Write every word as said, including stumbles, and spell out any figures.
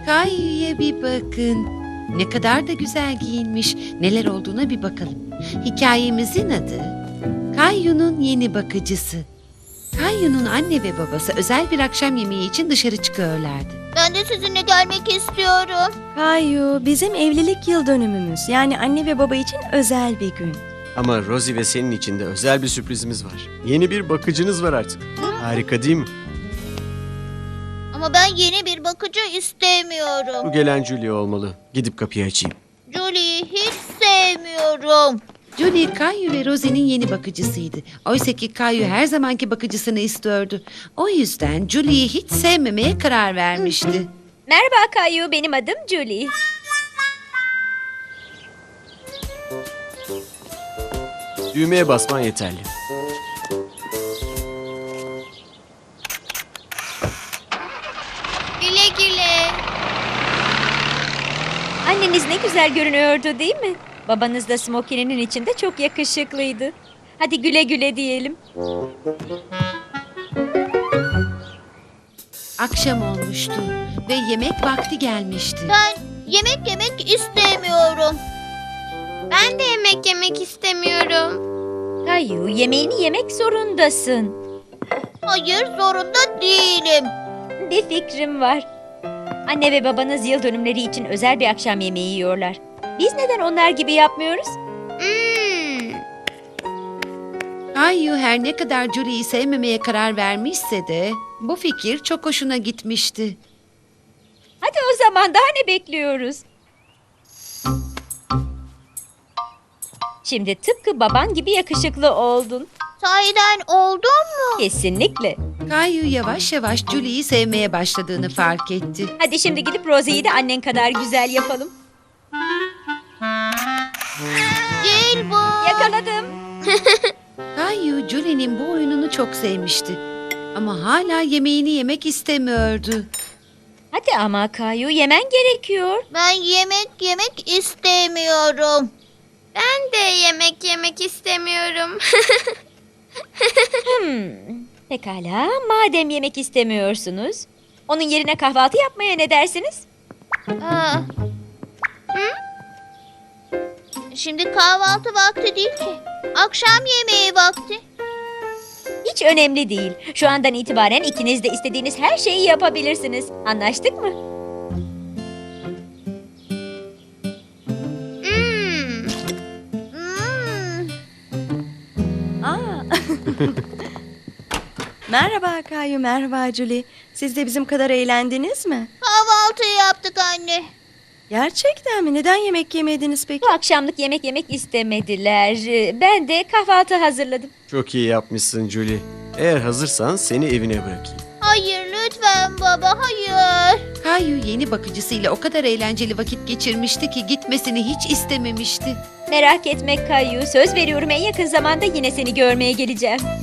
Kayu'ya bir bakın. Ne kadar da güzel giyinmiş. Neler olduğuna bir bakalım. Hikayemizin adı Kayu'nun yeni bakıcısı. Kayu'nun anne ve babası özel bir akşam yemeği için dışarı çıkıyorlardı. Ben de sizinle gelmek istiyorum. Kayu, bizim evlilik yıl dönümümüz. Yani anne ve baba için özel bir gün. Ama Rosie ve senin için de özel bir sürprizimiz var. Yeni bir bakıcınız var artık. Harika değil mi? Ama ben yeni bir bakıcı Bu istemiyorum. gelen Julie olmalı. Gidip kapıyı açayım. Julie'yi hiç sevmiyorum. Julie, Kayu ve Rosie'nin yeni bakıcısıydı. Oysa ki Kayu her zamanki bakıcısını istiyordu. O yüzden Julie'yi hiç sevmemeye karar vermişti. Merhaba Kayu, benim adım Julie. Düğmeye basman yeterli. Güle güle. Anneniz ne güzel görünüyordu değil mi? Babanız da smokininin içinde çok yakışıklıydı. Hadi güle güle diyelim. Akşam olmuştu ve yemek vakti gelmişti. Ben yemek yemek istemiyorum. Ben de yemek yemek istemiyorum. Kayu, yemeğini yemek zorundasın. Hayır, zorunda değilim. Bir fikrim var. Anne ve babanız yıl dönümleri için özel bir akşam yemeği yiyorlar. Biz neden onlar gibi yapmıyoruz? Hmm. Kayu her ne kadar Julie'yi sevmemeye karar vermişse de bu fikir çok hoşuna gitmişti. Hadi o zaman daha ne bekliyoruz? Şimdi tıpkı baban gibi yakışıklı oldun. Sahiden oldun mu? Kesinlikle. Kayu yavaş yavaş Julie'yi sevmeye başladığını fark etti. Hadi şimdi gidip Rosie'yi de annen kadar güzel yapalım. Değil bu. Yakaladım. Kayu Julie'nin bu oyununu çok sevmişti. Ama hala yemeğini yemek istemiyordu. Hadi ama Kayu, yemen gerekiyor. Ben yemek yemek istemiyorum. Ben de yemek yemek istemiyorum. Hmm, pekala, madem yemek istemiyorsunuz, onun yerine kahvaltı yapmaya ne dersiniz? Aa. Hı? Şimdi kahvaltı vakti değil ki. Akşam yemeği vakti. Hiç önemli değil. Şu andan itibaren ikiniz de istediğiniz her şeyi yapabilirsiniz. Anlaştık mı? Hmm. Hmm. Aa. Merhaba Kayu, merhaba Julie. Siz de bizim kadar eğlendiniz mi? Kahvaltıyı yaptık anne. Gerçekten mi? Neden yemek yemediniz peki? Bu akşamlık yemek yemek istemediler. Ee, Ben de kahvaltı hazırladım. Çok iyi yapmışsın Julie. Eğer hazırsan seni evine bırakayım. Hayır lütfen baba hayır. Kayu yeni bakıcısıyla o kadar eğlenceli vakit geçirmişti ki gitmesini hiç istememişti. Merak etme Kayu, söz veriyorum en yakın zamanda yine seni görmeye geleceğim.